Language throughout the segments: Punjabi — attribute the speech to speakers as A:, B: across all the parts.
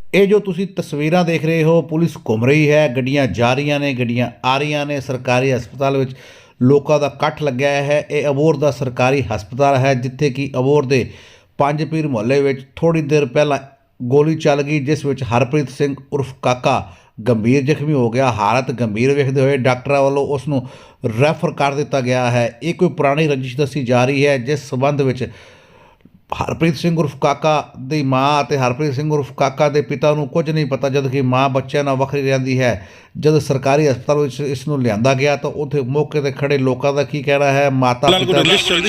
A: ਇਹ ਜੋ ਤੁਸੀਂ ਤਸਵੀਰਾਂ ਦੇਖ ਰਹੇ ਹੋ, ਪੁਲਿਸ ਘੁੰਮ ਰਹੀ ਹੈ, ਗੱਡੀਆਂ ਜਾ ਰਹੀਆਂ ਨੇ, ਗੱਡੀਆਂ ਆ ਰਹੀਆਂ ਨੇ। ਸਰਕਾਰੀ ਹਸਪਤਾਲ ਵਿੱਚ ਲੋਕਾਂ ਦਾ ਇਕੱਠ ਲੱਗਿਆ ਹੈ। ਇਹ ਅਬੋਹਰ ਦਾ ਸਰਕਾਰੀ ਹਸਪਤਾਲ ਹੈ, ਜਿੱਥੇ ਕਿ ਅਬੋਹਰ ਦੇ ਪੰਜ ਪੀਰ ਮੁਹੱਲੇ ਵਿੱਚ ਥੋੜ੍ਹੀ ਦੇਰ ਪਹਿਲਾਂ ਗੋਲੀ ਚੱਲ ਗਈ, ਜਿਸ ਵਿੱਚ ਹਰਪ੍ਰੀਤ ਸਿੰਘ ਉਰਫ ਕਾਕਾ ਗੰਭੀਰ ਜ਼ਖਮੀ ਹੋ ਗਿਆ। ਹਾਲਤ ਗੰਭੀਰ ਵੇਖਦੇ ਹੋਏ ਡਾਕਟਰਾਂ ਵੱਲੋਂ ਉਸ ਨੂੰ ਰੈਫਰ ਕਰ ਦਿੱਤਾ ਗਿਆ ਹੈ। ਇਹ ਕੋਈ ਪੁਰਾਣੀ ਰੰਜਿਸ਼ ਦੱਸੀ ਜਾ ਰਹੀ ਹੈ, ਜਿਸ ਸਬੰਧ ਵਿੱਚ ਹਰਪ੍ਰੀਤ ਸਿੰਘ ਉਰਫ ਕਾਕਾ ਦੀ ਮਾਂ ਅਤੇ ਹਰਪ੍ਰੀਤ ਸਿੰਘ ਉਰਫ ਕਾਕਾ ਦੇ ਪਿਤਾ ਨੂੰ ਕੁਝ ਨਹੀਂ ਪਤਾ, ਜਦ ਕਿ ਮਾਂ ਬੱਚਿਆਂ ਨਾਲ ਵੱਖਰੀ ਰਹਿੰਦੀ ਹੈ। ਜਦ ਸਰਕਾਰੀ ਹਸਪਤਾਲ ਵਿੱਚ ਇਸ ਨੂੰ ਲਿਆਂਦਾ ਗਿਆ ਤਾਂ ਉੱਥੇ ਮੌਕੇ ਤੇ ਖੜੇ ਲੋਕਾਂ ਦਾ ਕੀ ਕਹਿਣਾ ਹੈ। ਮਾਤਾ ਪਿਤਾ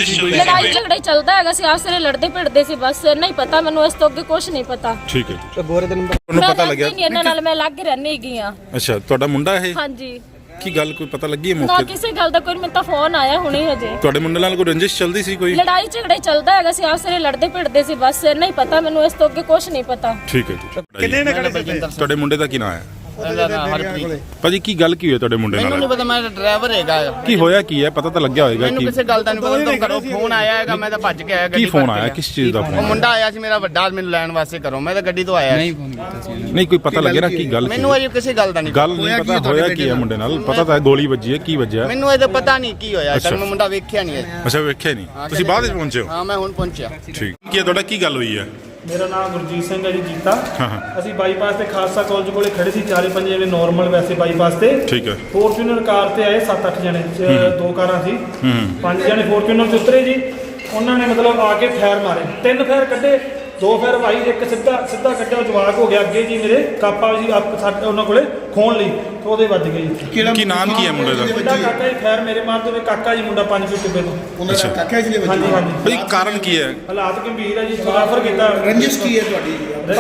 B: ਲੜਾਈ ਝਗੜਾ ਹੀ ਚੱਲਦਾ ਹੈਗਾ ਸੀ, ਆਪਸ ਵਿੱਚ ਲੜਦੇ ਭਿੜਦੇ ਸੀ, ਬਸ ਨਹੀਂ ਪਤਾ ਮੈਨੂੰ, ਇਸ ਤੋਂ ਅੱਗੇ ਕੁਝ ਨਹੀਂ ਪਤਾ।
C: ਠੀਕ ਹੈ
D: ਤੇ ਗੋਰੇ ਦੇ ਨੰਬਰ
C: ਤੁਹਾਨੂੰ ਪਤਾ ਲੱਗਿਆ?
B: ਨਹੀਂ, ਇਹਨਾਂ ਨਾਲ ਮੈਂ ਲੱਗ ਰਹਿਣੀ ਹੈਗੀ ਆ।
C: ਅੱਛਾ, ਤੁਹਾਡਾ ਮੁੰਡਾ ਇਹ?
B: ਹਾਂਜੀ।
C: ਕੀ ਗੱਲ ਕੋਈ ਪਤਾ ਲੱਗੀ ਹੈ
B: ਨਾ
C: ਮੌਕੇ ਤੇ?
B: ਕਿਸੇ ਗੱਲ ਦਾ ਕੋਈ, ਮੈਨੂੰ ਤਾਂ ਫੋਨ ਆਇਆ ਹੁਣੇ ਹਜੇ।
C: ਤੁਹਾਡੇ ਮੁੰਡੇ ਨਾਲ ਕੋਈ ਰੰਜਿਸ਼ ਚੱਲਦੀ ਸੀ ਕੋਈ?
B: ਲੜਾਈ ਝਗੜਾ ਹੀ ਚੱਲਦਾ ਹੈਗਾ ਸੀ, ਆਪਸ ਵਿੱਚ ਲੜਦੇ ਭਿੜਦੇ ਸੀ, ਬਸ ਨਹੀਂ ਪਤਾ ਮੈਨੂੰ, ਇਸ ਤੋਂ ਅੱਗੇ ਕੁਝ ਨਹੀਂ ਪਤਾ।
C: ਠੀਕ ਹੈ ਜੀ।
D: ਕਿੰਨੇ ਨੇ ਖੜੇ ਸੀ?
C: ਤੁਹਾਡੇ ਮੁੰਡੇ ਦਾ ਕੀ ਨਾਮ ਹੈ?
E: ਹਰਪ੍ਰੀਤ।
C: ਭਾਜੀ ਕੀ ਗੱਲ ਕੀ ਹੋਈ ਤੁਹਾਡੇ ਮੁੰਡੇ
E: ਮੈਨੂੰ ਨਹੀਂ
C: ਨਾਲ?
E: ਪਤਾ, ਮੈਂ ਡਰਾਈਵਰ ਹੈਗਾ।
C: ਕੀ ਹੋਇਆ ਕੀ ਹੈ? ਪਤਾ ਤਾਂ ਲੱਗਿਆ ਹੋਏਗਾ।
E: ਮੈਨੂੰ
C: ਕੀ
E: ਕਿਸੇ ਗੱਲ ਦਾ ਨਹੀਂ ਪਤਾ, ਤੋਂ ਘਰੋਂ ਫੋਨ ਆਇਆ ਹੈਗਾ, ਮੈਂ ਤਾਂ ਭੱਜ ਕੇ ਆਇਆ।
C: ਕੀ
E: ਗੱਡੀ
C: ਫੋਨ
E: ਭਰ ਕੇ
C: ਆਇਆ? ਕਿਸ ਚੀਜ਼ ਦਾ
E: ਉਹ
C: ਫੋਨ?
E: ਮੁੰਡਾ ਆਇਆ ਸੀ ਮੇਰਾ ਵੱਡਾ, ਮੈਨੂੰ ਲੈਣ ਵਾਸਤੇ ਘਰੋਂ, ਮੈਂ ਤਾਂ ਗੱਡੀ ਤੋਂ ਆਇਆ।
C: ਨਹੀਂ ਕੋਈ ਪਤਾ ਲੱਗਿਆ ਨਾ ਕੀ ਗੱਲ?
E: ਮੈਨੂੰ ਅਜੇ ਕਿਸੇ ਗੱਲ ਦਾ ਨਹੀਂ
C: ਗੱਲ ਨਹੀਂ ਪਤਾ ਹੋਇਆ ਕੀ ਹੈ ਮੁੰਡੇ ਨਾਲ? ਪਤਾ ਤਾਂ ਗੋਲੀ ਵੱਜੀ ਹੈ, ਕੀ ਵੱਜਿਆ?
E: ਮੈਨੂੰ ਅਜੇ ਪਤਾ ਨਹੀਂ ਕੀ ਹੋਇਆ ਸਰ, ਮੈਂ ਮੁੰਡਾ ਵੇਖਿਆ ਨਹੀਂ ਹੈ।
C: ਅੱਛਾ, ਵੇਖਿਆ ਨਹੀਂ ਤੁਸੀਂ? ਬਾਅਦ ਵਿੱਚ ਪਹੁੰਚੇ ਹੋ?
E: ਹਾਂ, ਮੈਂ ਹੁਣ ਪਹੁੰਚਿਆ।
C: ਠੀਕ। ਕੀ ਹੈ ਤੁਹਾਡਾ, ਕੀ ਗੱਲ ਹੋਈ ਹੈ?
D: ਮੇਰਾ ਨਾਮ ਗੁਰਜੀਤ ਸਿੰਘ ਹੈ ਜੀ, ਜੀਤਾ।
C: ਹਾਂ ਹਾਂ,
D: ਅਸੀਂ ਬਾਈਪਾਸ ਤੇ ਖਾਲਸਾ ਕਾਲਜ ਕੋਲੇ ਖੜੇ ਸੀ, 4-5 ਜਣੇ ਨਾਰਮਲ ਵੈਸੇ ਬਾਈਪਾਸ ਤੇ।
C: ਠੀਕ ਹੈ।
D: ਫੋਰਚੂਨਰ ਕਾਰ ਤੇ ਆਏ 7-8 ਜਣੇ, ਦੋ ਕਾਰਾਂ ਸੀ। 5 ਜਣੇ ਫੋਰਚੂਨਰ ਚ ਉਤਰੇ ਜੀ। ਉਹਨਾਂ ਨੇ ਮਤਲਬ ਆ ਕੇ ਫਾਇਰ ਮਾਰੇ, 3 ਫਾਇਰ ਕੱਢੇ, 2 ਫਾਇਰ ਭਾਈ, ਇੱਕ ਸਿੱਧਾ ਕੱਢਿਆ, ਜਵਾਕ ਹੋ ਗਿਆ ਅੱਗੇ ਜੀ ਮੇਰੇ ਕਾਪਾ ਸੀ ਸਾਡੇ ਉਹਨਾਂ ਕੋਲੇ ਖੋਣ ਲਈ, ਤੇ ਉਹਦੇ ਵੱਜ ਗਏ ਜੀ।
C: ਕੀ ਨਾਮ ਕੀ ਹੈ ਮੁੰਡੇ ਦਾ?
D: ਵੱਡਾ ਕਾਕਾ ਜੀ, ਫਾਇਰ ਮੇਰੇ ਮਾਰਦੇ ਹੋਏ ਕਾਕਾ ਜੀ, ਮੁੰਡਾ 5 ਫੁੱਟ ਟਿੱਬੇ ਤੋਂ।
C: ਅੱਛਾ,
D: ਹਾਂਜੀ ਹਾਂਜੀ।
C: ਭਾਈ ਕਾਰਨ ਕੀ ਹੈ?
D: ਹਾਲਾਤ ਗੰਭੀਰ ਹੈ ਜੀ, ਰੈਫਰ ਕੀਤਾ।
F: ਰੰਜਿਸ਼ ਕੀ ਹੈ ਤੁਹਾਡੀ?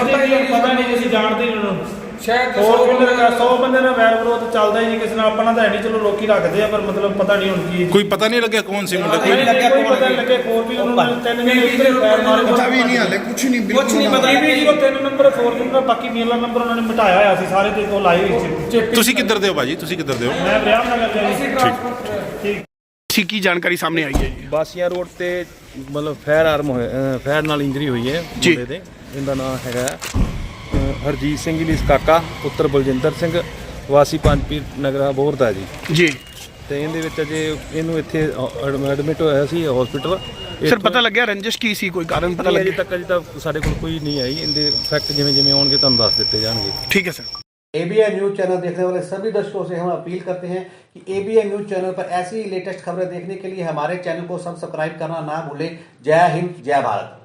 D: ਪਤਾ ਨਹੀਂ, ਅਸੀਂ ਜਾਣਦੇ ਨਹੀਂ ਉਹਨਾਂ ਨੂੰ। ਸ਼ਾਇਦ 100 ਬੰਦੇ ਨਾਲ ਵੈਰ ਵਿਰੋਧ ਚੱਲਦਾ ਹੀ ਨਹੀਂ ਕਿਸੇ ਨਾਲ, ਆਪਣਾ ਤਾਂ ਹੈ ਨਹੀਂ, ਚਲੋ ਲੋਕੀ ਰੱਖਦੇ ਆ, ਪਰ ਮਤਲਬ ਪਤਾ ਨਹੀਂ ਹੁਣ ਕੀ।
C: ਕੋਈ ਪਤਾ ਨਹੀਂ ਲੱਗਿਆ ਕੌਣ ਸੀ ਮੁੰਡਾ?
D: ਕੋਈ ਪਤਾ ਨਹੀਂ ਲੱਗਿਆ। 4 ਵੀ ਉਹਨਾਂ ਨੇ 3 ਨੇ ਉੱਤੇ ਫਾਇਰ ਮਾਰੇ,
F: ਪਤਾ ਵੀ ਨਹੀਂ ਹਾਲੇ, ਕੁਝ ਨਹੀਂ, ਬਿਲਕੁਲ ਨਹੀਂ
D: ਪਤਾ ਵੀ ਜੀ। 3 ਨੰਬਰ 4 ਨੰਬਰ, ਬਾਕੀ ਮੇਲਾ ਨੰਬਰ ਉਹਨਾਂ ਨੇ ਮਿਟਾਇਆ ਹੋਇਆ ਸੀ ਸਾਰੇ ਤੇ, ਉਹ ਲਾਏ ਹੋਏ ਸੀ।
C: ਤੁਸੀਂ ਕਿੱਧਰ ਦੇ ਹੋ ਭਾਜੀ? ਤੁਸੀਂ ਕਿੱਧਰ ਦੇ ਹੋ?
D: ਮੈਂ ਵਿਆਹ ਨਗਰ ਗਿਆ ਜੀ।
F: ਠੀਕ। ਕੀ ਜਾਣਕਾਰੀ ਸਾਹਮਣੇ ਆਈ ਹੈ ਜੀ?
G: ਬਾਸੀਆਂ ਰੋਡ ਤੇ ਮਤਲਬ ਫਾਇਰ ਨਾਲ ਇੰਜਰੀ ਹੋਈ ਹੈ ਮੁੰਡੇ ਦੇ। ਇਹਦਾ ਨਾਮ ਹੈਗਾ ਹਰਜੀਤ ਸਿੰਘ ਜੀ ਕਾਕਾ, ਪੁੱਤਰ ਬਲਜਿੰਦਰ ਸਿੰਘ, ਵਾਸੀ ਪੰਜ ਪੀਰ ਨਗਰ ਅਬੋਹਰ ਦਾ ਜੀ। ਤੇ ਇਹਦੇ ਵਿੱਚ ਅਜੇ ਇਹਨੂੰ ਇੱਥੇ ਐਡਮਿਟ ਹੋਇਆ ਸੀ ਹਸਪੀਟਲ।
F: ਸਰ ਪਤਾ ਲੱਗਿਆ ਰੰਜਿਸ਼ ਕੀ ਸੀ? ਕੋਈ ਕਾਰਨ ਪਤਾ ਲੱਗਿਆ?
G: ਅਜੇ ਤੱਕ ਸਾਡੇ ਕੋਲ ਕੋਈ ਨਹੀਂ ਆਈ। ਇਹਦੇ ਫੈਕਟ ਜਿਵੇਂ ਆਉਣਗੇ ਤੁਹਾਨੂੰ ਦੱਸ ਦਿੱਤੇ ਜਾਣਗੇ।
F: ठीक है सर।
A: ABI न्यूज़ चैनल देखने वाले सभी दर्शकों से हम अपील करते हैं कि ABI न्यूज़ चैनल पर ऐसी लेटेस्ट खबरें देखने के लिए हमारे चैनल को सब्सक्राइब करना ना भूलें। जय हिंद, जय भारत।